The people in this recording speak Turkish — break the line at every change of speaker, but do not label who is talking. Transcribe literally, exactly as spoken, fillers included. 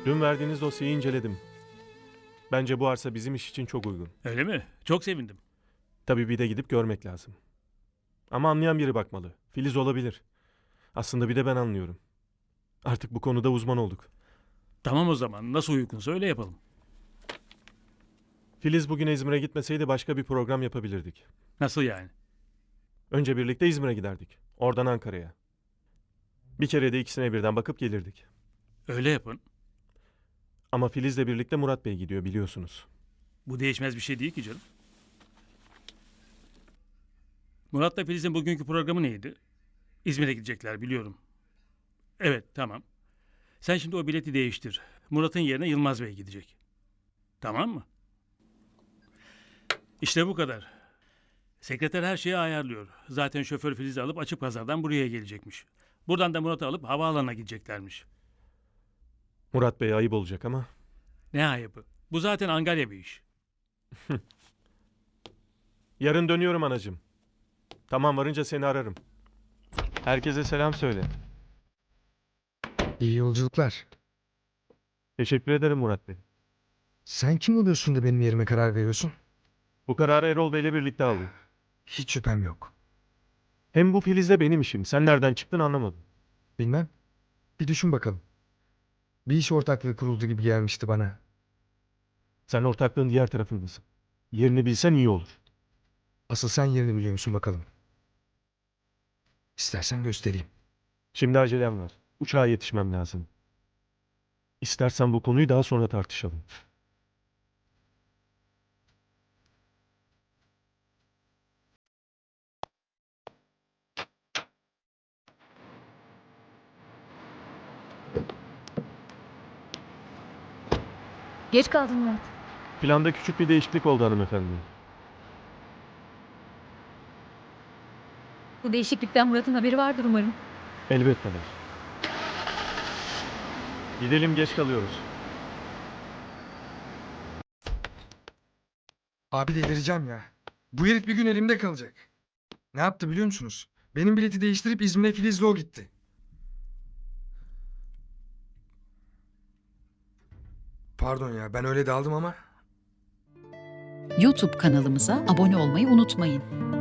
Dün verdiğiniz dosyayı inceledim. Bence bu arsa bizim iş için çok uygun.
Öyle mi? Çok sevindim.
Tabii bir de gidip görmek lazım. Ama anlayan biri bakmalı. Filiz olabilir. Aslında bir de ben anlıyorum. Artık bu konuda uzman olduk.
Tamam o zaman. Nasıl uygunsa öyle yapalım.
Filiz bugün İzmir'e gitmeseydi başka bir program yapabilirdik.
Nasıl yani?
Önce birlikte İzmir'e giderdik. Oradan Ankara'ya. Bir kere de ikisine birden bakıp gelirdik.
Öyle yapın.
Ama Filiz'le birlikte Murat Bey gidiyor biliyorsunuz.
Bu değişmez bir şey değil ki canım. Murat'la Filiz'in bugünkü programı neydi? İzmir'e gidecekler biliyorum. Evet tamam. Sen şimdi o bileti değiştir. Murat'ın yerine Yılmaz Bey gidecek. Tamam mı? İşte bu kadar. Sekreter her şeyi ayarlıyor. Zaten şoför Filiz'i alıp açık pazardan buraya gelecekmiş. Buradan da Murat'ı alıp havaalanına gideceklermiş.
Murat Bey'e ayıp olacak ama.
Ne ayıbı. Bu zaten Angarya bir iş.
Yarın dönüyorum anacığım. Tamam varınca seni ararım. Herkese selam söyle.
İyi yolculuklar.
Teşekkür ederim Murat Bey.
Sen kim oluyorsun da benim yerime karar veriyorsun?
Bu kararı Erol Bey'le birlikte aldım.
Hiç şüphem yok.
Hem bu Filiz'le benim işim. Sen nereden çıktın anlamadım.
Bilmem. Bir düşün bakalım. Bir iş ortaklığı kuruldu gibi gelmişti bana.
Sen ortaklığın diğer tarafındasın. Yerini bilsen iyi olur.
Asıl sen yerini biliyor musun bakalım? İstersen göstereyim.
Şimdi acelem var. Uçağa yetişmem lazım. İstersen bu konuyu daha sonra tartışalım.
Geç kaldın Murat.
Planda küçük bir değişiklik oldu hanımefendi.
Bu değişiklikten Murat'ın haberi vardır umarım.
Elbette var. Gidelim geç kalıyoruz.
Abi delireceğim ya. Bu herif bir gün elimde kalacak. Ne yaptı biliyor musunuz? Benim bileti değiştirip İzmir'e Filiz'le o gitti. Pardon ya ben öyle daldım ama.
YouTube kanalımıza abone olmayı unutmayın.